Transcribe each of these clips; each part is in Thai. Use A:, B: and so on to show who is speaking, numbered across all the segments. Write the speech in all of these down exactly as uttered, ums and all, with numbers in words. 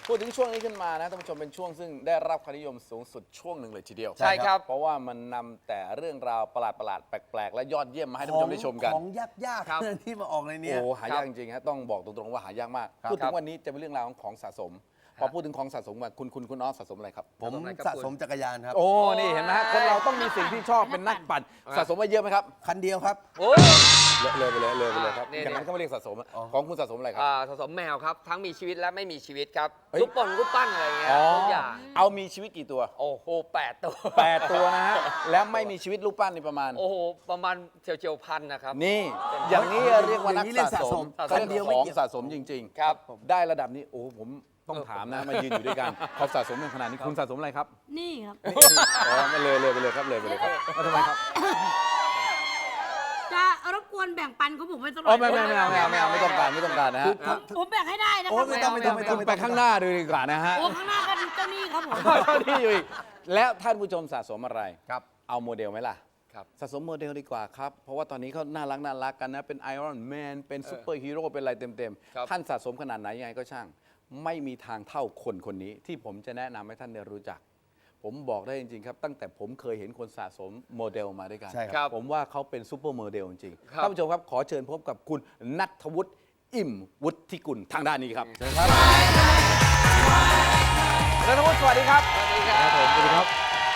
A: พูดถึงช่วงนี้ขึ้นมานะท่านผู้ชมเป็นช่วงซึ่งได้รับความนิยมสูงสุดช่วงหนึ่งเลยทีเดียว
B: ใช่ครับ
A: เพราะว่ามันนำแต่เรื่องราวประหลาดๆแปลกๆและยอดเยี่ยมมาให้ท่านผู้ชมได้ชมกัน
C: ของยาก
B: ครับ
C: ๆที่มาออกในเนี้
A: โอ้
C: ย
A: หายากจริงๆฮะต้องบอกตรงๆว่าหายากมาก
C: ครับ
A: พูดถึงวันนี้จะเป็นเรื่องราวของของสะสม พอพูดถึงของสะสมมาคุณคุณคุณน้องสะสมอะไรครับ
C: ผม
B: อะไรครับ
C: สะสมจักรยานครับ
A: โอ้นี่เห็นไหมฮะคนเราต้องมีสิ่งที่ชอบเป็นนักปั่นสะสมมาเยอะไหมครับ
C: คันเดียวครับ
B: โอ้ย
A: เลยไปเลยเลยไปเลยครับ
B: นี่
A: อย่างนั้นก็ไม่เรียกสะสมอะ
C: อ๋อ
A: ของคุณสะสมอะไรครับ
B: อ่าสะสมแมวครับ ทั้งมีชีวิตและไม่มีชีวิตครับ
A: เฮ้ย
B: ลูกป่นลูกปั้นอะไรเงี้ย
A: อ๋อ
B: ทุกอย่าง
A: เอามีชีวิตกี่ตัว
B: โอ้โหแปดตัว
A: แปดตัวนะฮะแล้วไม่มีชีวิตลูกปั้นนี่ประมาณ
B: โอ้โหประมาณเฉียวเฉียวๆพันนะครับ
A: นี่อย่างนี้เรียกว่านัก
C: อย่างนี้เรียก
A: สะสม
B: สะสม
A: เขาเรียกของสะสมจริงๆ
B: ครับ
A: ได้ระดับนี้โอ้ผมต้องถามนะมายืนอยู่ด้วยกันเขาสะสมกันขนาดนี้คุณสะสมอะไรครับ
D: นี่ครับ
A: อ๋อไม่เลยเลยไปเลยครับเลยไปเลยครับแล้วทำไมครับ
D: จะรบกวนแบ่งปันของผมไปตลอ
A: อ๋อ
D: ด
A: ไม่ไม่ไม่เอาไม่เอาไม่เอาไม่ต้องการไม่ต้องการนะฮะ
D: ผมผมแบ่งให้ได้นะค
C: โอ้
D: รับ
C: ไม่ต้องไม่ต้องไม่ต้
A: คุ
C: อง
A: ณ
C: ไม่
A: ไป
C: ต้อง
A: ข้างหน้าดูดีกว่านะฮะ
D: โอ้ข้างหน้าก็เจ้าหนี้ครับผม
A: เท่าที่อยู่อีกแล้วท่านผู้ชมสะสมอะไร
C: ครับ
A: เอาโมเดลไหมล่ะ
B: ครับ
A: สะสมโมเดลดีกว่าครับ เพราะว่าตอนนี้เขาน่ารักน่ารักกันนะ เป็นไอรอนแมน เป็นซูเปอร์ฮีโร่ เป็นอะไรเต็ม
B: ครับ
A: ๆ ท่านสะสมขนาดไหนยังไงก็ช่าง ไม่มีทางเท่าคนคนนี้ที่ผมจะแนะนำให้ท่านได้รู้จัก ผมบอกได้จริง ๆ ครับ ตั้งแต่ผมเคยเห็นคนสะสมโมเดลมาด้วยกัน
C: ใช่
B: ครับ
A: ผมว่าเขาเป็นซูเปอร์โมเดลจริงๆ
B: ครับ
A: ท่านผู้ชมครับ ขอเชิญพบกับคุณณัฐวุฒิอิ่มวุฒิกุลทางด้านนี้ครับณัฐวุฒิสวัสดีครับ
B: สวัสดีครับ
A: ผมสวัสดีครับ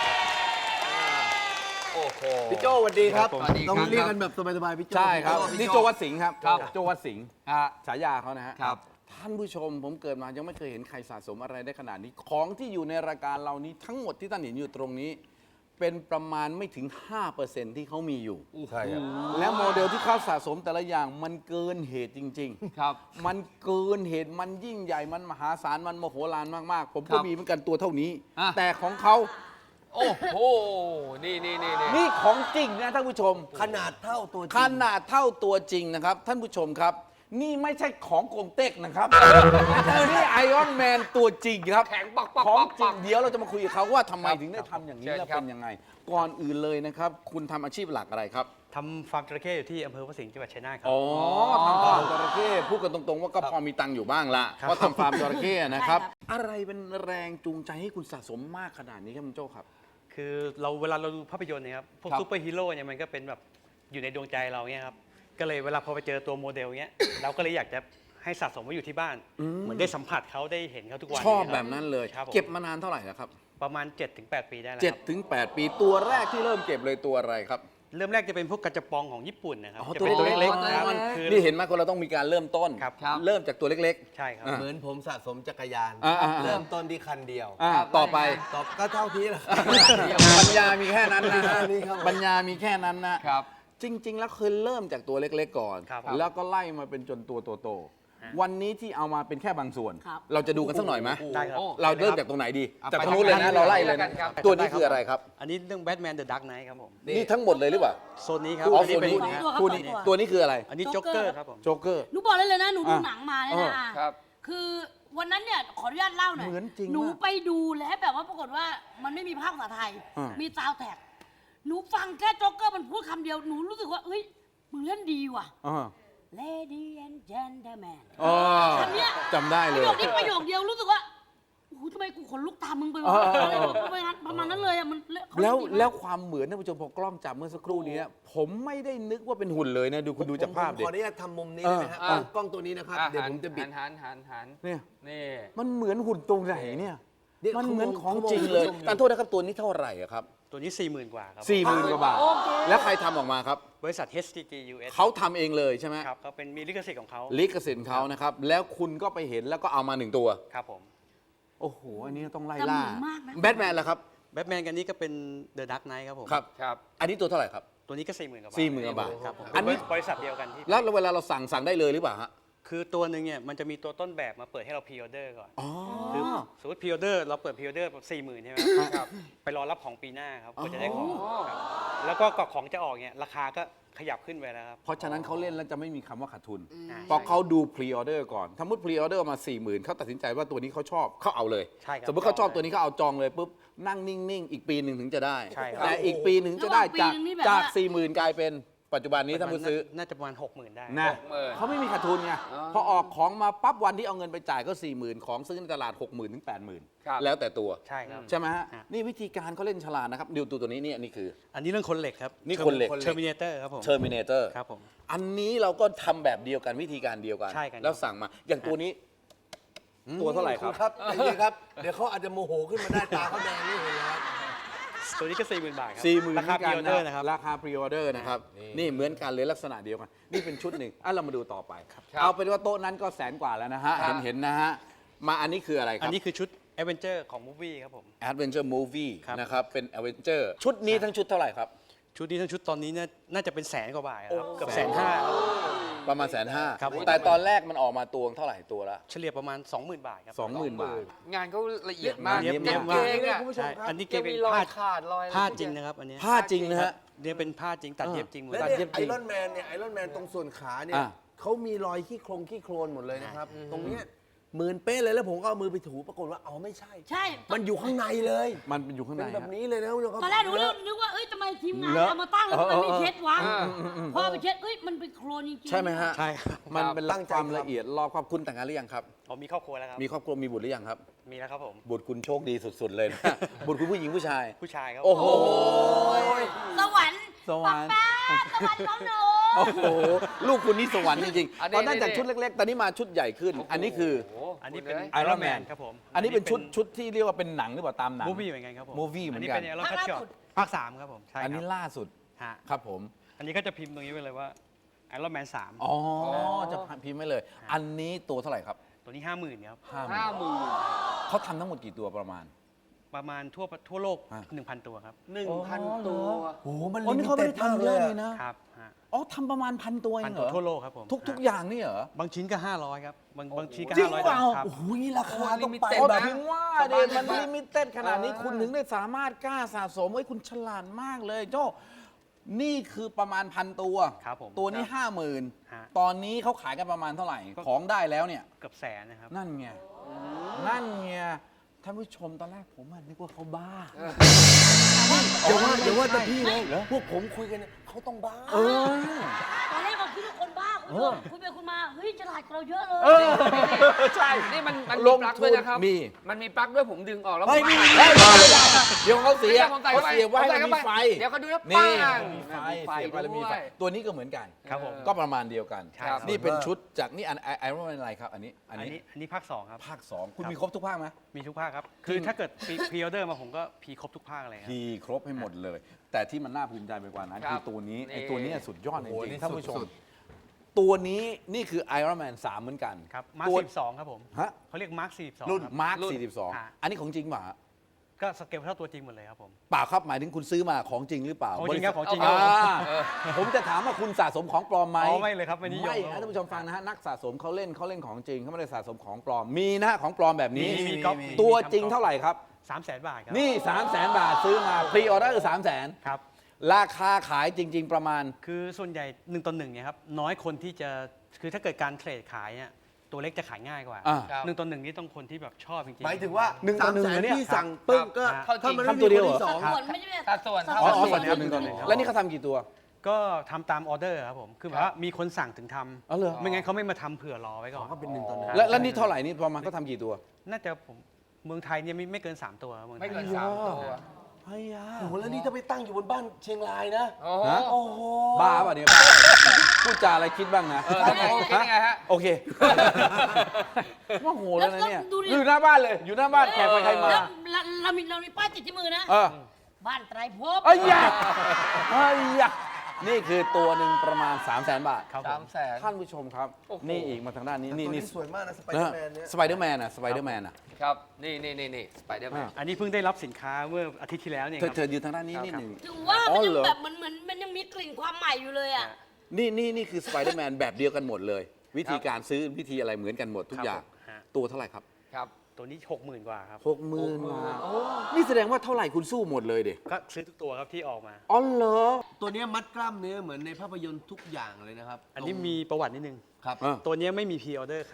B: โอ้โห
C: พี่โจสวัสดีครับ
B: สวัสดีครับ
C: ต้องเรียกกันแบบสบายๆพี่โจ
A: ใช่ครับ
B: พี่โจ้
A: นี่โจวัดสิงห์ครับ
B: ครับ
A: โจวัดสิงห์
B: อ่ะ
A: ฉายาเขานะฮะ
B: ครับ
A: ท่านผู้ชมผมเกิดมายังไม่เคยเห็นใครสะสมอะไรได้ขนาดนี้ ของที่อยู่ในรายการเรานี้ทั้งหมดที่ท่านเห็นอยู่ตรงนี้ เป็นประมาณไม่ถึง ห้าเปอร์เซ็นต์ ที่เขามีอยู่
C: ใช่ครับ
A: และโมเดลที่เขาสะสมแต่ละอย่างมันเกินเหตุจริง ๆ
B: ครับ
A: มันเกินเหตุมันยิ่งใหญ่มันมหาศาลมันมโหฬารมากๆ ผม
B: ครั
A: ก็
B: บ
A: มีเหมือนกันตัวเท่านี้
B: อ่ะ
A: แต่ของเขา
B: โอ้โห นี่นี่นี่นี่
A: นี่ของจริงนะท่านผู้ชม
C: ขนาดเท่าตัวจริง
A: ขนาดเท่าตัวจริงนะครับ ท่านผู้ชมครับ นี่ไม่ใช่ของโกงเต็กนะครับ นี่ไอออนแมนตัวจริงครับ
B: แข็งปักปัก
A: ของ
B: ปัก
A: จริ
B: ปั
A: ง
B: ก
A: เดี๋ยวเราจะมาคุยกับเขาว่าทำไม
B: ครับ
A: ถึงได้ทำอย่างนี้
B: เชิญ
A: และ
B: ครับ
A: เป็นยังไง ก่อนอื่นเลยนะครับ คุณทำอาชีพหลักอะไรครับ
E: ทำฟาร์มจระเข้อยู่ที่อำเภอพระสิงห์จังหวัดชัยนาทครั
A: อ๋อทำฟาร์มจระเข้พูดกันตรงๆว่าก็พอมีตังค์อยู่บ้างละ
E: ครับ
A: เพราะทำฟาร์มจระเข้นะครับ
D: ใช่ครับ
A: อะไรเป็นแรงจูงใจให้คุณสะสมมากขนาดนี้ครับคุณโจ้ครับ
E: คือเราเวลาเราดูภาพยนตร์เนี่ยครับพวก
A: ครับ
E: ซูเปอร์ฮีโร่เนี่ยมันก็เป็นแบบอยู่ในดวงใจเราเนี่ยครับก็เลยเวลาพอไปเจอตัวโมเดลเนี้ย เราก็เลยอยากจะให้สะสมไว้อยู่ที่บ้าน เหมือนได้สัมผัสเขาได้เห็นเขาทุกวัน
A: ชอบ
E: เยค
A: แบ
E: รั
A: บนั้นเลย
E: ครับผม
A: เก็บมานานเท่าไหร่แล้วครับ
E: ประมาณ เจ็ดถึงแปด ปีได้แล้ว
A: เจ็ด
E: ครับ
A: ถึงแปดปีตัวแรกที่เริ่มเก็บเลยตัวอะไรครับ
E: เริ่มแรกจะเป็นพวกกระจับปองของญี่ปุ่นนะครับ
A: อ๋อ
E: จะ
A: ตัว
E: เป็นตัว
A: เล็
E: เล็
A: ก
E: ก
A: ๆ
E: ๆนะครับ
A: มัน
E: คือ
A: นี่เห็นไหมคนเราต้องมีการเริ่มต้น
E: ครับ
B: ครับ
A: เริ่มจากตัวเล็ก
E: ใช่ครับ
A: อ่ะ
C: เหมือนผมสะสมจักรยาน
A: อ่าอ่าอ่า
C: เริ่มต้นที่คันเดียว
A: ๆอ่าต่อไป
C: ต่อก็เท่าที่แหละ
A: ปัญญามีแค่นั้นนะฮะ
C: นี่ครับ
A: ปัญญามีแค่นั้นนะครับ จริง ๆ แล้วเคยเริ่มจากตัวเล็ก ๆ ก่อน
E: ครับ
A: แล้วก็ไล่มาเป็นจนตัวโตๆวันนี้ที่เอามาเป็นแค่บางส่วน
D: ครับ
A: เราจะดูกันสักหน่อยไหม
E: ได้ครับ
B: โอ้
A: เราเริ่มจากตรงไหนดี
B: อ่ะ
A: จาก
B: ไป
A: ตรงนู้นเลย
B: ทาง
A: นะ
B: นี้
A: เราไล่เลย
B: กั
A: นะ
B: นครับ
A: ตัวนี้คืออะไรครับ
E: อันนี้เรื่องแบทแมนเดอะดักไนท์ครับผม
A: นี่ทั้งหมดเลยหรือเปล่า
E: โซนนี้ครับ
A: อ๋อ
E: อันนี้เป็น
A: ส่วน
E: ฮะ
D: ตัวครับ
A: คู่นี้ตัวนี้คืออะไร
E: อันนี้โจ๊กเกอร์ครับผม
A: โจ๊กเกอร์
D: หนูบอกได้เลยนะ หนูดู
A: อ่ะ
D: หนังมาเลย
A: เออ
D: นะอ่ะ
B: ครับ
D: คือวันนั้นเนี่ยขออนุญาตเล่าหน่อย
A: เหมือนจริง
D: หนู
A: มาก
D: ไปดูแล้วแบบว่าปรากฏว่ามันไม่มีภาคภาษาไทย
A: อ่ามี
D: มีซาวด์แท็ก หนูฟังแค่โจ๊กเกอร์มันพูดคำเดียว หนูรู้สึกว่าเอ้ย มึงเล่นดีว่ะ
A: อ่า
D: Lady and Gentleman
A: อ๋อ
D: คำเนี้ย
A: จำได้
D: ป
A: เล
D: ระ
A: ย
D: โยคนี้ประโยคเดียวรู้สึกว่าโอ้โหทำไมกูขนลุกตามมึงไปวะ
A: เออเออ
D: อะไร
A: เออ
D: ประมาณนั้นประมาณนั้นเลยอ่ะมันเขา
A: แล้ว
D: เนดีมาก
A: แล้วความเหมือนท่านผู้ชมพอกล้องจับเมื่อสักครู่นี้ผมไม่ได้นึกว่าเป็นหุ่นเลยนะดูคุณดูจากภาพ
C: ผม
A: ดิ
C: ขออนุญาตทำมุมนี้ได้ไหมฮะ
B: เออ
C: กล้องตัวนี้นะครับ
B: อ่
C: เดี๋ยวผมจะบิด
B: หันหันหัน
A: เนี่ย
B: นี่
A: มันเหมือนหุ่นตรงไหนเนี่ย
C: เดี๋ยว
A: มันเหมือนของ
C: เขามอง
A: จริงเลย
C: เขามอง
A: แต่โทษนะครับตัวนี้เท่าไหร่อะครับ
E: ตัวนี้ สี่หมื่น กว่าครับ
A: สี่หมื่นกว่าบาท
D: โอเค
A: แล้วใครทำออกมาครับ
E: บริษัท เอช ที จี ยู เอส
A: เขาทำเองเลยใช่ไหม
E: ครับเขาเป็นมีลิขสิทธิ์ของเขา
A: ลิขสิทธิ์เขานะครับ แล้วคุณก็ไปเห็นแล้วก็เอามาหนึ่งตัว
E: ครับผม
A: โอ้โห อันนี้ต้องไล่
D: แต่
A: ล่า
D: เหมือนมากนะ
A: แบทแมนล่ะครับ
E: แบทแมนกันนี้ก็เป็นเดอะดักไนท์ครับผม
A: ครับ
B: ครับ
A: อันนี้ตัวเท่าไหร่ครับ
E: ตัวนี้ก็ สี่หมื่น กว่าบาท
A: สี่หมื่นกว่าบาท
E: ครับผม
A: อันนี้
E: บริษัทเดียวกันที่
A: แล้วเวลาเราสั่งสั่งได้เลยหรือเปล่าฮะ
E: คือตัวหนึ่งเนี่ยมันจะมีตัวต้นแบบมาเปิดให้เราพรีออเดอร์ก่อน
A: อ๋อ
E: คือสมมติพรีออเดอร์เราเปิดพรีออเดอร์สี่หมื่นใช่ไหมครับไปรอรับของปีหน้าครับก็จะได้ของครับแล้วก็ก่อนของจะออกเนี่ยราคาก็ขยับขึ้นไปแล้วครับ
A: เพราะฉะนั้นเขาเล่นแล้วจะไม่มีคำว่าขาดทุน
E: อ่า
A: เพราะเขาดูพรีออเดอร์ก่อนสมมติพรีออเดอร์มาสี่หมื่นเขาตัดสินใจว่าตัวนี้เขาชอบเขาเอาเลย
E: ใช่ครับ
A: สมมติเขาชอบตัวนี้เขาเอาจองเลยปุ๊บนั่งนิ่งๆ อีกปีหนึ่งถึงจะได้
E: ใช่ครับ
A: แต่อีกปีหนึ่งจะได้จาก
D: ระหว่างปีหนึ่งนี่แบบ
A: จาก
D: ว่า
A: สี่หมื่นกลายเป็นปัจจุบันนี้ท่านผู้ซื้อ
E: น่าจะประมาณหกหมื่นได้
A: นะ
B: หกหมื่น
A: เขาไม่มีขาดทุนไง
B: อ๋อ
A: พอออกของมาปั๊บวันที่เอาเงินไปจ่ายก็สี่หมื่นของซื้อในตลาดหกหมื่นถึงแปดหมื่น
B: ครับ
A: แล้วแต่ตัว
E: ใช่ครับ
A: ใช่ไหมฮะ
E: ฮะ
A: นี่วิธีการเขาเล่นฉลาดนะครับดูตัวตัวนี้นี่อันนี้คือ
E: อันนี้เรื่องคนเหล็กครับ
A: นี่คนเหล็ก
E: เทอร์มินเตอร์ครับผม
A: Terminator
E: ครับผม
A: อันนี้เราก็ทำแบบเดียวกันวิธีการเดียวกัน
E: ใช่กัน
A: แล้วสั่งมาอย่างตัวนี้ตัวเท่าไหร่ครับ
C: ครับใจเย็นครับ เดี๋ยวเขาอาจจะโมโหขึ้นมาได้ตาเขาแดงนี่เห็นไหมครับ
E: ตัวนี้ก็สี่หมื่นบาทครั
A: สี่หมื่น
E: ราคาพรีออเดอร์นะครับ
A: ราคาพรีออเดอร์นะครับ
C: นี่
A: นี่เหมือนกันเลยลักษณะเดียวกัน นี่เป็นชุดหนึ่งอ่ะเรามาดูต่อไป
B: ครับ
A: เอาเป็นว่าโต๊ะนั้นก็แสนกว่าแล้วนะฮะ
B: ครั
A: เห็
B: บ
A: นเห็นนะฮะ มาอันนี้คืออะไรค
E: อั
A: รั
E: น
A: บ
E: นี้คือชุด Adventure ของมูฟวี่ครับผม
A: Adventure Movie
E: ครับ
A: นะครับ เป็น Adventure ชุดนี้ทั้งชุดเท่าไหร่ครับ
E: ชุดนี้ทั้งชุดตอนนี้เนี่ยน่าจะเป็นแสนกว่าบาทครับเกือบแสนห้าครับ
A: ประมาณแสนห้า
E: ครับผม
A: แต่ตอนแรกมันออกมาตัวเท่าไหร่ตัวละ
E: เฉลี่ยประมาณ สองหมื่น บาทครับ
A: สองหมื่นบาท
B: งานเขาละเอียดมาก
A: เนี๊ยบ
B: เก่
A: มาก
B: งๆอ่ะ
C: คุณผู้ชม
E: ใช่
C: ครับ
E: อันนี้เก
B: ยัง
E: เป็น
B: มีรอ
E: ผ้าย
B: ขาดรอยอะไร
E: ผ้า
B: พวก
E: จริง
B: เนี้ย
E: นะครับอันเนี้ย
A: ผ้าจริงนะฮะ
E: เนี่ยเป็นผ้าจริงตัดเย็บจริงหมด
C: และ
A: ตัด
C: เนี่ย
A: เย็บ
C: ไอ
A: จริง
C: รอนแมนเนี่ยไอรอนแมนตรงส่วนขาเนี่ย
A: อ่ะ
C: เขามีรอยขี้โครงขี้โคลนหมดเลยนะครับ ตรงเนี้ยหมื่นเป๊ะเลยแล้วผมก็เอามือไปถูปรากฏว่าอ๋อไม่ใช่
D: ใช่
C: มันอยู่ข้างในเลย
A: มันเป็นอยู่ข้างใน
C: เป็นแบบ
A: ฮะ
C: นี้เลยนะคุณผู้ชมครับ
D: ตอนแรกหนูนึกนึกว่าเอ้ยทำไมทีมงาน
A: เหรอ
D: เอามาตั้งแล้วมันไม่เช็ดวะ
B: อ่า
D: พอไปเช็ดเอ้ยมันเป็นโครนจริงๆ
A: ใช่ไหมฮะ
E: ใช่ครับ
A: มันเป็น
C: ตั้งใจ
A: ความ
C: ทำ
A: ละเอียดรอบครอบคุณแต่งงานหรือยังครับ
E: ผมมีครอบครัวแล้วครับ
A: มีครอบครัวมีบุตรหรือยังครับ
E: มีแล้วครับผม
A: บุตรคุณโชคดีสุดๆเลยนะ บุตรคุณผู้หญิงผู้ชาย
E: ผู้ชายครับ
A: โอ้โห
D: สวรรค์
A: สวรรค์
D: ป๊าป๊าสวรรค์น้องหนู
A: โอ้โห ลูกคุณนี่สวรรค์จริง
B: อัน
A: ๆ
B: นี้
A: ตอนนั้นจาก
B: นี่
A: ชุดเล็กๆ ตอนนี้มาชุดใหญ่ขึ้น อันนี้คือ
B: โโห
E: อันนี้เป็น
B: คุณ
A: ไอรอนแมน
E: ครับผม
A: อันนี้เป็นชุดชุดที่เรียกว่าเป็นหนังหรือเปล่าตามหนัง
E: มูฟวี่เหมือนกันครับผม
A: Movie เหมือนกัน
E: อันนี้เป็นไอรอนคัตช็อตภาคสามครับผมใช่ค
A: อั
E: รั
A: นนี้ล่าสุด
E: ฮะ
A: ครับผม
E: อันนี้ก็จะพิมพ์ตรงนี้ไว้เลยว่าไอรอนแมนสาม
A: อ๋อ จะพิมพ์ไว้เลย อันนี้ตัวเท่าไหร่ครับ
E: ตัวนี้ห้าหมื่นครับ
A: ห้าหมื่
B: ห้าน หมื่น
A: เขาทำทั้งหมดกี่ตัวประมาณ
E: ประมาณทั่วทั่วโลก
A: อ่ะ
E: หนึ่งพันตัวครับ
B: หนึ่งพัน
A: อ๋อเหรอ
B: ตัว
C: โอ้โหมัน
A: อ๋อ
C: ลิ
A: นี่
C: มิ
A: เขาไม่
C: เต็ด
A: ได้
C: มาก
A: ทำเย
C: เล
A: อะ
C: ย
A: เลย
C: อะ
A: นะ
E: ครับฮะ
A: อ๋อทำประมาณพันตัวเอ
E: พัน
A: งเหร
E: ตัว
A: อ
E: ทั่วโลกครับผม
A: ทุกทุก
E: ฮะ
A: อย่างนี่เหรอ
E: บางชิ้นก็ห้าร้อยครับบางบางชิ้นก็
A: จริง
E: ห้าร้อย
A: เปล่า
E: ครับ
C: โอ้โหนี่ราคาต้องไป
B: โอ้
A: อ๋อ
C: แบบ
A: ถึงว่าเดยมันลิมิเต็ดขนาดนี้คุณถึงได้สามารถกล้าสะสมเฮ้ยคุณฉลาดมากเลยโจ้นี่คือประมาณพันตัว
E: ครับผม
A: ตัวนี้ห้าหมื่น
E: ฮะ
A: ตอนนี้เขาขายกันประมาณเท่าไหร่ ของได้แล้วเนี่ย
E: เกือบแสนนะครับ
A: นั่นไง นั่นไง ท่านผู้ชมตอนแรกผมอะนึกว่าเขาบ้า
C: เดี๋ยวว่าเดี๋ยวว่าแต่พี่
A: เหร
C: นะ
A: อ
C: พวกผมคุยกันเนี่ยเขาต้องบ้า
A: เออ
D: ตอนแรกเราคิดว่าคนบ้าคุณ
A: เออ
D: คุยไปคุยมาเฮ้ยฉลาดกว่าเราเยอะเลย
A: เออ ใช่
B: นี่มันมัน
A: ล
B: มี
A: ง
B: ปลั๊ก
A: ทุ
B: ด้วย
A: น
B: นะครับ
A: มี
B: มันมีปลั๊กด้วยผมดึงออกแล้ว
A: เฮ้ย
B: ผม
A: มี
B: หา
A: เฮ้ยเดี๋ยวเขาเสีย
B: ผมใส่
A: เขา
B: เข้าไป
A: เสียบไว้
B: ผมใส่
A: มัน
B: เข้า
A: มี
B: ไป
A: ไฟ
B: เดี๋ยวเขาดูแล้ว
A: นี่
B: ปัง
A: มีไฟ
B: มีไฟ
A: เสียบไปแล้วมีไฟ
B: ด้วย
A: ตัวนี้ก็เหมือนกัน
E: ครับผม
A: ก็ประมาณเดียวกัน
E: ครับ
A: นี่เป็นชุดจากนี่อันไอรอนอะไรครับ อันนี้ อั
E: อั
A: น
E: น
A: นี้
E: นี้อันนี้ภาคสองครับ
A: ภาคสองคุณ
E: ครับ
A: มีครบทุกภาคไหม
E: มีทุกภาคครับ คือถ้าเกิดพรีออเดอร์มาผมก็พรีครบทุกภาคเลยครับ
A: ทีครบให้หมดเลย แต่ที่มันน่าภูมิใจไปกว่านั้น
B: ครั
A: คื
B: บ
A: อตัวนี้
B: นี่
A: ไอ้ตัวเนี้ยสุดยอดจ
C: โอ้โห
A: ริง
C: นี่
A: ๆท่านผู้ชม
C: สุด
A: ตัวนี้นี่คือ Iron Man สามเหมือนกัน
E: ครับมาร์
A: ตัว
E: คสิบสองครับผม
A: ฮะ
E: เขาเรียกมาร์คสี่สิบสอง
A: รุ่น
E: ครับ
A: มาร์ค
B: รุ่น
A: สี่สิบสอง
E: อ่า
A: อันนี้ของจริงเปล่าฮะ
E: ก็สเกลเท่าตัวจริงหมดเลยครับผม
A: เปล่าครับหมายถึงคุณซื้อมาของจริงหรือเปล่า
E: ของจริงครับ
A: ษัท
E: ของจริง
A: อ่า
B: เออ
A: ผมจะถามว่าคุณสะสมของปลอมไหม
E: อ๋อไม่เลยครับไม่นิยม
A: ไม่
E: ครับ
A: นะท่านผู้ชมฟังนะฮะนักสะสมเขาเล่นเขาเล่นของจริงเขาไม่ได้สะสมของปลอมมีนะฮะของปลอมแบบนี้
E: มีมีก๊อป
A: ตัวจริงเท่าไหร่ครับ
E: สามแสนบาทครับ
A: นี่3 0 0 0 0 0 บาทซื้อมาพรีออเดอร์สามแสน
E: ครับ
A: ราคาขายจริง ๆ ประมาณ
E: คือส่วนใหญ่หนึ่งต่อหนึ่งเนี่ยครับน้อยคนที่จะคือถ้าเกิดการเทรดขายเนี่ยตัวเล็กจะขายง่ายกว่า
A: อ่า
B: ครับ
E: หนึ่งต่อหนึ่งนี่ต้องคนที่แบบชอบจริงๆ
C: หมายถึงว่า
A: หนึ่งต่
C: สา
A: อ
C: ม
A: หนึ่ง
C: แสน
A: เนี่ย
C: ที่สั่งปึ้งก็
B: เท่าจริง
C: ถ้ามัน
A: ทำ
C: ไม่
A: ตัว
C: มี
A: เดียว
C: คน
A: เหรอ
C: ที่สอง
D: ส่วนไม่ใช่แบบ
B: สัดส่วน
D: สัด
A: อ๋อ
D: ส่วน
A: อ๋อส่วนหนึ่งต่อหนึ่งแล้วนี่เขาทำกี่ตัว
E: ก็ทำตามออเดอร์ครับผมคือแบบว่ามีคนสั่งถึงท
A: อ๋อเหรอ
E: ำไม่งั้นเขาไม่มาทำเผื่อรอไว้ก่อน
C: ก็เป็นหนึ่งต่อหนึ่ง
A: แล้วแล้วนี่เท่าไหร่นี่ประมาณเขาทำกี่ตัว
E: น่าจะผมเมืองไทยเนี่ยไม่ไม่เกิน 3 ตัวครับเมืองไท
B: ไม่
E: ย
B: เกินสามตัว
A: เฮ้ยอะ
C: โอ้โหแล้วนี่ถ้าไปตั้งอยู่บนบ้านเชียงรายนะ
B: โอ้โห
A: ฮะ
C: โอ้โห
A: บ้าป่ะเนี่ยบ้าพูดจาอะไรคิดบ้างนะ
B: เออทำไงคิดยังไงฮะ
A: โอเคว่าโหแล้วนะเนี่ย
D: ดูดิ
A: อยู่หน้าบ้านเลย อยู่หน้าบ้านแขกไปใครมา
D: แล้วเราเรามีเรามีป้ายติดที่มือนะ
A: เออ
D: บ้านไตรภพ
A: เอ้ยยะเอ้ยยะนี่คือตัวหนึ่งประมาณ 3 0 0 0 0 0 บาท
E: ครับผ
B: สาม มแสน
A: ท่านผู้ชมครับ
B: โอ้โห
A: นี่อีกมาทางด้านนี้ นี่
C: ตัว
A: นี่
C: นี้สวยมากนะสไปเดอร์แมนเนี่ย
A: สไปเดอร์แมนอะสไปเดอร์แมนอะ
B: ครับ นี่นี่นี่นี่สไปเดอร์แมน
E: อันนี้เพิ่งได้รับสินค้าเมื่ออาทิตย์ที่แล้วเนี่ย
A: เธ
E: ค
A: อ
E: รับ
A: เธออยู่ทางด้านนี้
E: ครับ
A: นิดหนึ่ง
D: ถึงว่า
A: อ๋
D: มัน
A: อ
D: ยัง
A: เหรอ
D: แบบเหมือนเหมือนมันยังมีกลิ่นความใหม่อยู่เลยอ่ะ
A: นี่นี่นี่คือสไปเดอร์แมนแบบเดียวกันหมดเลย วิธีการซื้อวิธีอะไรเหมือนกันหมดทุกอย่าง
E: ครับผมฮะ
A: ตัวเท่าไหร่ครับ
B: ครับ
E: ตัวนี้หกหมื่นกว่าครับ
A: หกหมื่นบาทนี่แสดงว่าเท่าไหร่คุณสู้หมดเลยเด็
E: ก็ซื้อทุกตัวครับที่ออกมา
A: อ๋อเหรอ
C: ตัวเนี้ยมัดกล้ามเนื้อเหมือนในภาพยนตร์ทุกอย่างเลยนะครับ
E: อันนี้มีประวัตินิดนึง
C: ครับ
A: เออ
E: ตัวเนี้ยไม่มีพรีออเดอร์ขาย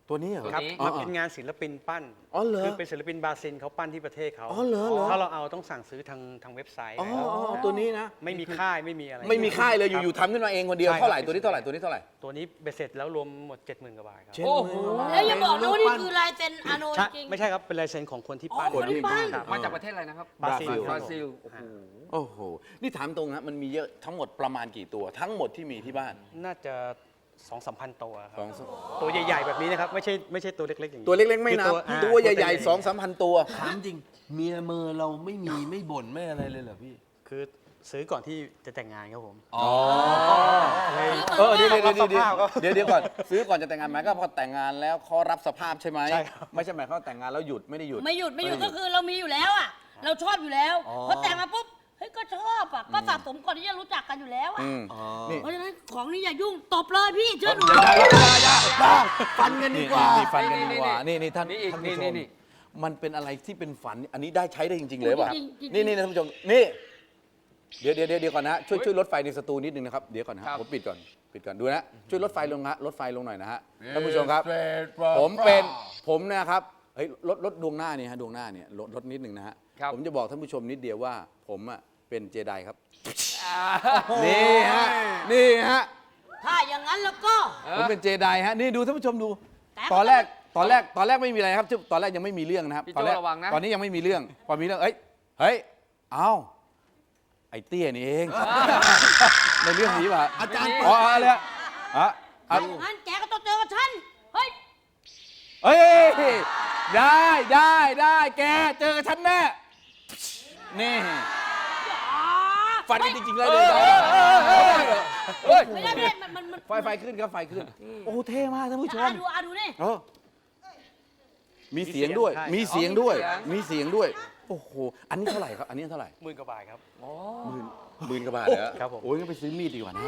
A: ตัวนี้เหรอ
E: ครับ
B: ตัวนี้
E: มันเป็นงานศิลปินปั้น
A: อ๋อเหรอ
E: คือเป็นศิลปินบราซิลเขาปั้นที่ประเทศเขา
A: อ๋อเหรอเหรอ
E: ถ้าเราเอาต้องสั่งซื้อทางทางเว็บไซต์
A: อ๋อ
E: นะครับ
A: อ๋อตัวนี้นะ
E: ไม่มีค่ายไม่มีอะไร
A: ไม่มีค่ายเลยอยู่ๆ
E: ครับ
A: ทำขึ้นมาเองคนเดียว
E: ใช่ครับ
A: เท่าไหร่ตัวนี้เท่าไหร่ตัวนี้เท่าไหร่
E: ตัวนี้เบ็ดเสร็จแล้วรวมหมด เจ็ดหมื่น กว่าบาทครับ
A: เจ็ด
B: โอ้โห
D: แล้วอย่าบอกนะว่านี่คือลายเซ็นอาโน
E: ใช่
D: จริง
E: ไม่ใช่ครับ เป็นลายเซ็นของคนที่
D: อ๋อ
E: ปั้น
D: คนที่ปั้น
E: ครับ
B: มาจากประเทศอะไรนะครับ
E: บราซิล
A: บ
B: บ
E: ค
B: รา
E: บผม
B: ซิลโอ้โห
A: โอ้โห นี่ถามตรงนะมันมีเยอะทั้งหมดประมาณกี่ตัว ทั้งหมดที่มีที่บ้าน
E: น่าจะสองสามพันตัวค
A: ส
E: รั
A: อบ งสาม
E: ตัวใหญ่ๆแบบนี้นะครับ ไม่ใช่ไม่ใช่ตัวเล็กๆอย่างนี้
A: ตัวเล็กๆไม่นับ
E: คืออ่า
A: ตัวใหญ่ๆสองสามพันตัว
C: ถามจริง เมียเมอเราไม่มีไม่บ่นไม่อะไรเลยเหรอพี่
E: คือซื้อก่อนที่จะแต่งงานครับผม
A: อ๋อเออเดี๋ยวเดี๋ยวเดี๋ยวเดี๋ยวเดี๋ยวเดี๋ยวก่อนซื้อก่อนจะแต่งงานไหมก็พอแต่งงานแล้วเขารับสภาพใช่ไหม
E: ใช่ครับ
A: ไม่ใช่หมายความว่าแต่งงานแล้วหยุดไม่ได้หยุด
D: ไม่หยุดไม่หยุดก็คือเรามีอยู่แล้วอ่ะ เราชอบอยู่แล้วพอแต่งมาปุ๊บเฮ้ยก็ชอบอ่ะก็สะสมก่อนที่จะรู้จักกันอยู่แล้วอ่ะ
A: อืมนี่
D: เพราะฉะนั้นของนี้อย่ายุ่งตบเลยพี่เชื่อหนู
C: ฟันกันดีกว่า
A: นี่ฟันกันดีกว่า นี่นี่ท่าน
B: นี่อีก
A: ท่านผู้ช
B: นี่
A: ม
B: นี่
A: มันเป็นอะไรที่เป็นฝัน อันนี้ได้ใช้ได้จริง ๆ เลยป่ะ
D: จริงๆจริงๆ
A: นี่นี่ท่านผู้ชม นี่ เดี๋ยวเดี๋ยวเดี๋ยวก่อนนะ ช่วยช่วยลดไฟในสตูนิดนึงนะครับ เดี๋ยวก่อนนะ
B: ครั
A: ฮะ
B: บ
A: ผมปิดก่อน ปิดก่อน ดูนะ ช่วยลดไฟลงฮะลดไฟลงหน่อยนะฮะ
C: Yes,
A: ท่านผู้ชมครับ
C: straight from
A: ผมเป็น ผมเนะครับ เฮ้ย ลดลดดวงหน้านี่ฮะ ดวงหน้าเนี่ยลดลดนิดนึงนะฮะ
B: ครับ
A: ผมจะบอกท่านผู้ชมนิดเดียวว่า ผมอ่ะเป็นเจไดครับ
B: อ่า
A: นี่ฮะ นี่ฮะ
D: ถ้าอย่างนั้นแล้วก็
A: ผมเป็นเจไดฮะ นี่ดูท่านผู้ชมดู
D: แต่
A: ตอนแรก ตอนแรก ตอนแรกไม่มีอะไรครับ ตอนแรกยังไม่มีเรื่องนะครับ
B: พี่
A: ตอน
B: โจ้
A: แรก
B: ระวังนะ
A: ตอนนี้ยังไม่มีเรื่อง พอมีเรื่อง เอ้ย เฮ้ย เอ้า ไอ้เตี้ยนี่เอง ในเรื่องนี้ป่ะ
C: อาจารย์
A: อ๋ออะไรอะอ่ะอ่ะ
D: ถ้าอย่างนั้นแกก็ต้องเจอกับฉัน เฮ้ย
A: เฮ้ย ได้ได้ได้แก เจอกับฉันแน่ นี่ ฟันกันจริงๆเลยเลยเฮ้ย
D: ไม่ได้ไม่ได้มันมันมัน
A: ไฟไฟขึ้นครับ ไฟขึ้น โอ้ เท่มากท่านผู้ช
D: อ่ะ
A: ม
D: ดูอ่ะดูนี่
A: เออมีเสียงด้วย
E: ใช่
A: มีเสียงด้วย
B: อ๋อมี
A: มี
B: เสี
A: เสีย
B: ย
A: ง
B: ง
A: ด้วย โอ้โห อันนี้เท่าไหร่ครับ อันนี้เท่าไหร่
E: หมื่นกว่าบาทครับ
A: หมื่นหมื่นกว่าบาทเหรอ
E: ครับผม
A: โอ้ยงั้นไปซื้อมีดดีกว่านะ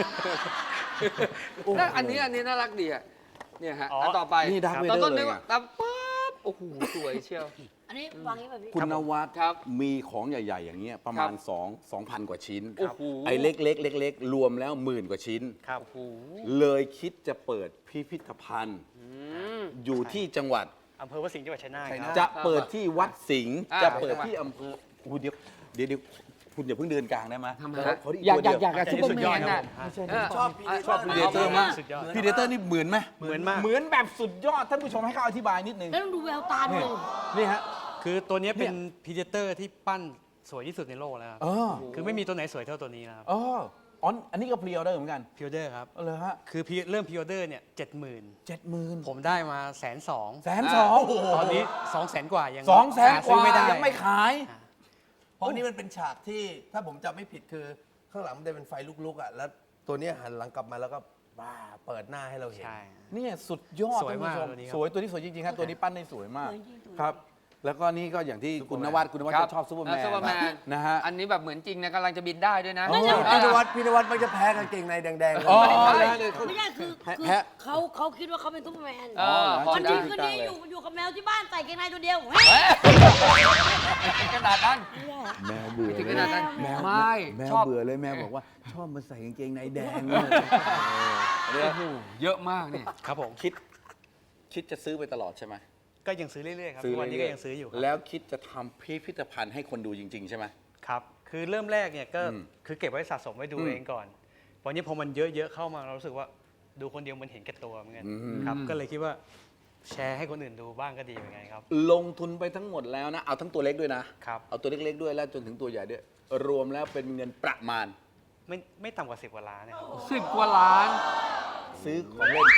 B: แล้วอันนี้อันนี้น่ารักดีอ่ะเนี่ยฮะ
E: อ๋ออั
B: นต่อไป
A: นี่ Darth
B: ตอน
A: Vader
B: ต้น
A: เลย
B: นึก
A: ไง
B: ว่าตามปั๊บโอ้โหสวยเชียว
D: อันนี้วางนี้แบบพี่
A: คุณนวัด
B: ครับ
A: มีของใหญ่ ๆ อย่างเงี้ยประมาณ2 2,000 กว่าชิ้น
B: โอ้โห
A: ไอ้เล็กๆเล็กๆรวมแล้วหมื่นกว่าชิ้น
E: ครับ
B: โอ้โห
A: เลยคิดจะเปิดพิพิธภัณฑ์ อยู่ที่จังหวัด
E: อำเภอวัดสิงห์จังหวัดชัยนาท
C: ชัย
E: ค
C: นา
E: รับ
C: ท
A: จะเปิดที่วัดสิงห์
B: อ่า
A: จะเปิดที่อำเภออู้เดี๋ยวเดี๋ยวเดี๋ยวคุณอย่าเพิ่งเดินกลางได้ไหม
B: ทำไม
A: ขอ
B: ฮะ
A: ขอที่
B: อยาก
A: ตัว
B: อยาก
A: เดีว
B: อยากกับซุปเปอร์แมนน่ะ
C: ชอบพี่
A: ชอบพีเดเตอร์มาก
E: สุดยอด
A: พีเดเตอร์นี่เหมือนไหม
E: เหมือนมาก
A: เหมือนแบบสุดยอด ท่านผู้ชมให้เขาอธิบายนิดนึง
D: แล้วต้องดูแววตาด้วย
A: นี่ฮะ
E: คือตัวเนี้ยเป็น
A: เนี่ย
E: พีเดเตอร์ที่ปั้นสวยที่สุดในโลกแล้วครับ
A: เออ
E: คือไม่มีตัวไหนสวยเท่าตัวนี้นะครับ
A: อ๋ออ๋ออันนี้ก็พรีออเดอร์เหมือนกัน
E: พิวเดอร์ครับ
A: เอาเลยฮะ
E: คือ pre- เริ่มพิวเดอร์เนี่ยเจ็ดหมื่น
A: เจ็ดหมื่น
E: ผมได้มาแสนสอง
A: แสนสอง
E: ตอนนี้สองแสนกว่ายัง
A: สองแสน
E: หาก ซื้อ
A: ว่า
E: ไม่ได้
A: ยังไม่ขาย
C: เพราะนี่มันเป็นฉากที่ถ้าผมจำไม่ผิดคือ ข้างหลังมันจะเป็นไฟลุกๆอ่ะแล้วตัวเนี้ยหันหลังกลับมาแล้วก็บ้าเปิดหน้าให้เราเห็น
E: ใช่
A: เนี่ยสุดยอด
E: สวยมาก
A: ท่นผู้ช
E: ตัวนี้ครับ
A: สวยตัวนี้สวยจริงๆครับตัวนี้ปั้นได้สวยมาก
D: สวยจริงสวย
A: ครับ แล้วก็นี่ก็อย่างที่คุณนวัดคุณนวัด
B: ครั
A: ก็ชอบซูเปอร์แมน
B: ซูเปอร์แมน
A: นะฮะ
B: อันนี้แบบเหมือนจริงนะกำลังจะบินได้ด้วยนะ
A: อ๋อ
C: พี่นวัดพี่นวัดมันจะแพ้กางเกงในแดงๆ
A: อ๋อ
C: เลย
A: ได้เลย
D: ไม่ใช่คือคือ
A: แพะ
D: เขาเขาคิดว่าเขาเป็นซุปเปอร์แมน
B: เออพอ
D: วัน
B: ได้
D: ดีคืนดีอยู่อยู่กับแมวที่บ้านใส่เกงในตัวเดียวเฮ้ย
B: ขนาดนั้น
A: แมวเบื่อ
B: ถึง
A: เล
B: ข
A: ย
B: นาดนั้น
A: แมว
B: ไม่
A: แมว
B: ชอบ
A: เบื่อเลยแมวบอกว่าชอบมาใส่กางเกงในแดงเนี่ยเออ
B: โอ้โหเยอะมากนี่
E: ครับผม
A: คิดคิดจะซื้อไปตลอดใช่ไหม
E: ก็ยังซื้อเรื่อยๆครับ
A: ซื้อ
E: ทุกวันนี้ก็
A: เรื่อ
E: ยังซื้ออยู่ครับ
A: แล้วคิดจะทำพิพิธภัณฑ์ให้คนดูจริง ๆ ใช่ไหม
E: ครับ คือเริ่มแรกเนี่ยก็
A: อืม
E: คือเก็บไว้สะสมไว้ดู
A: อืม
E: เองก่อนวันนี้พอมันเยอะๆเข้ามาเรารู้สึกว่าดูคนเดียวมันเห็นแก่ตัวเหมือนกัน
A: อืม
E: ครับ ก็เลยคิดว่าแชร์ให้คนอื่นดูบ้างก็ดีเหมือนกันครับ
A: ลงทุนไปทั้งหมดแล้วนะ เอาทั้งตัวเล็กด้วยนะ
E: ครับ
A: เอาตัวเล็กๆด้วยแล้วจนถึงตัวใหญ่ด้วย รวมแล้วเป็นเงินประมาณ
E: ไม่ไม่ต่ำกว่าสิบกว่าล้านนะครับ
B: สิบกว่าล้าน
A: ซื้อของเล่น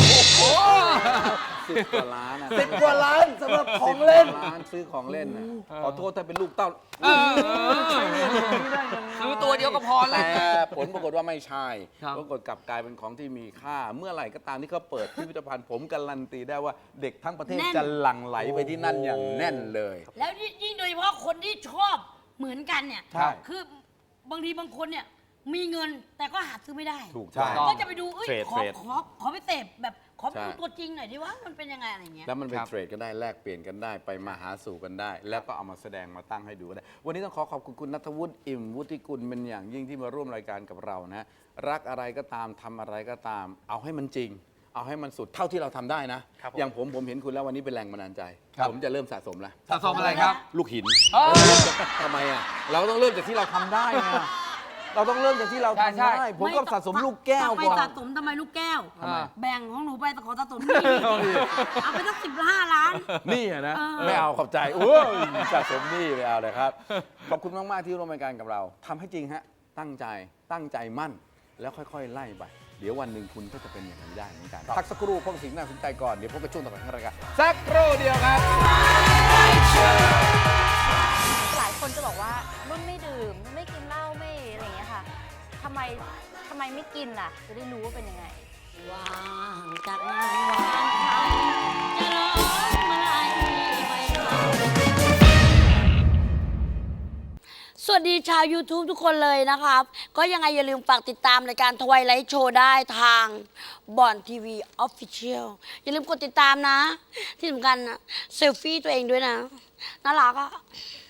A: สิบกว่าล้านนะ
C: สิบกว่าล้านสำหรับของเล่น
A: สิบกว่าล้านซื้อของเล่นนะขอโทษถ้าเป็นลูกเต้า
B: เออซื้อตัวเดียวก็พอแล้
A: แต่
B: ว
A: ผลปรากฏว่าไม่ใช่
B: ครับ
A: ปรากฏกลับกลายเป็นของที่มีค่า เมื่อไหร่ก็ตามที่เขาเปิดพิพิธภัณฑ์ผมการันตีได้ว่าเด็กทั้งประเทศ
D: แน่น
A: จะหลั่งไหลไปที่นั่นอย่างแน่นเลย
D: แล้วยิ่งโดยเฉพาะคนที่ชอบเหมือนกันเนี่ย
A: ใช่
D: คือบางทีบางคนเนี่ยมีเงินแต่ก็หาซื้อไม่ได้
A: ถูกใช่
D: ก็จะไปดูเอ้ย
A: เทรด
D: ขอ
A: เทรด
D: ขอขอไปเสพแบบขอไป
A: ใช่
D: ดูตัวจริงหน่อยดิว่ามันเป็นยังไงอะไรเงี้ย
A: แล้วมันเป็น
B: ครับ
A: เทรดกันได้แลกเปลี่ยนกันได้ไปมาหาสู่กันได้ แล้วก็เอามาแสดงมาตั้งให้ดูกันได้ วันนี้ต้องขอขอบคุณคุณณัฐวุฒิอิ่มวุฒิกุลเป็นอย่างยิ่งที่มาร่วมรายการกับเรานะ รักอะไรก็ตามทำอะไรก็ตาม เอาให้มันจริง เเอาให้มันสุดเท่าที่เราทำได้นะ
E: ครับผม
A: อย่างผมผมเห็นคุณแล้ววันนี้เป็นแรงบันดาลใจ
C: ครับ
A: ผมจะเริ่มสะสมแล้ว
B: สะสมอะไรครับ
A: ลูกหิน
B: เออ
A: ทำไมอ่ะเราต้องเริ่มจากที่เราทำได้ไงเราต้องเริ่มจากที่เรา
B: ใช่
A: ทำ
B: ใช่
A: ได้ผมก็สะสมลูกแก้ว
D: ไป
A: ก่อน
D: สะสมทำไมลูกแก้ว
B: ทำไม
D: แบ่งของหนูไปแต่ขอสะสมนี่เอาไปตั้งสิบห้าล้าน
A: นี่อะนะ
D: เออ
A: ไม่เอาขอบใจโอ้ยสะสมนี่ไม่เอาเลยครับ ขอบคุณมาก ๆ ที่ร่วมรายการกับเราทำให้จริงฮะ ตั้งใจตั้งใจมั่น แล้วค่อย ๆ ไล่ไป เดี๋ยววันหนึ่งคุณก็จะเป็นอย่างนี้ได้เหมือนกันพักสักครู่พบกับสิ่งน่าสนใจก่อน เดี๋ยวพบกับช่วงต่อไปของรายการสักครู่เดียวครับ
F: หลายคนจะบอกว่านุ่นไม่ดื่มนุ่นไม่กินเหล้าไม่อะไรอย่างเงี้ยค่ะทำไมทำไมไม่กินล่ะ จะได้รู้ว่าเป็นยังไง
D: ว่างจากงานวางไทยจะร้องมาลัยไปสวัสดีชาว YouTube ทุกคนเลยนะครับ ก็ยังไงอย่าลืมฝากติดตามรายการทวายไลท์โชว์ได้ทางบอนทีวีออฟฟิเชียลอย่าลืมกดติดตามนะ ที่สำคัญนะเซลฟี่ตัวเองด้วยนะ น่ารักอะ